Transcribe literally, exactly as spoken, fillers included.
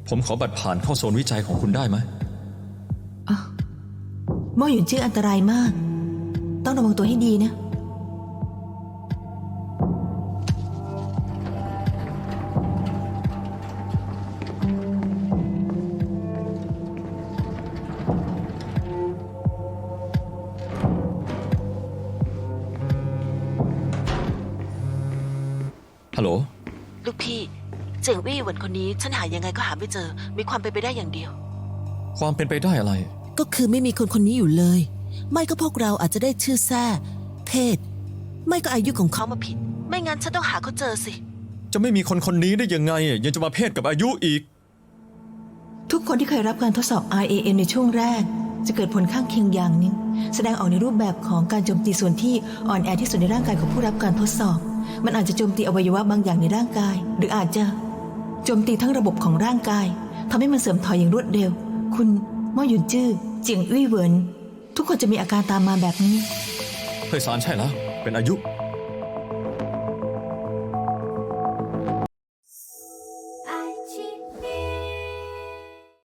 ผมขอบัตรผ่านเข้าโซนวิจัยของคุณได้ไหมหม้อหยุนจื้ออันตรายมากต้องระวังตัวให้ดีนะฮัลโหลลูกพี่เจิงวี่หวนคนนี้ฉันหายังไงก็หาไม่เจอมีความเป็นไปได้อย่างเดียวความเป็นไปได้อะไรก็คือไม่มีคนคนนี้อยู่เลยไม่ก็พวกเราอาจจะได้ชื่อแท้เพศไม่ก็อายุของเขาเขามาผิดไม่งั้นฉันต้องหาเขาเจอสิจะไม่มีคนคนนี้ได้ยังไงยังจะมาเพศกับอายุอีกทุกคนที่เคยรับการทดสอบ อาร์ เอ เอ็ม ในช่วงแรกจะเกิดผลข้างเคียงอย่างหนึ่งแสดงออกในรูปแบบของการโจมตีส่วนที่อ่อนแอที่สุดในร่างกายของผู้รับการทดสอบมันอาจจะโจมตีอวัยวะบางอย่างในร่างกายหรืออาจจะโจมตีทั้งระบบของร่างกายทำให้มันเสื่อมถอยอย่างรวดเร็วคุณหม้อหยุนจื้อเจียงอี้เหวินทุกคนจะมีอาการตามมาแบบนี้เฮ้ยสารใช่แล้วเป็นอายุ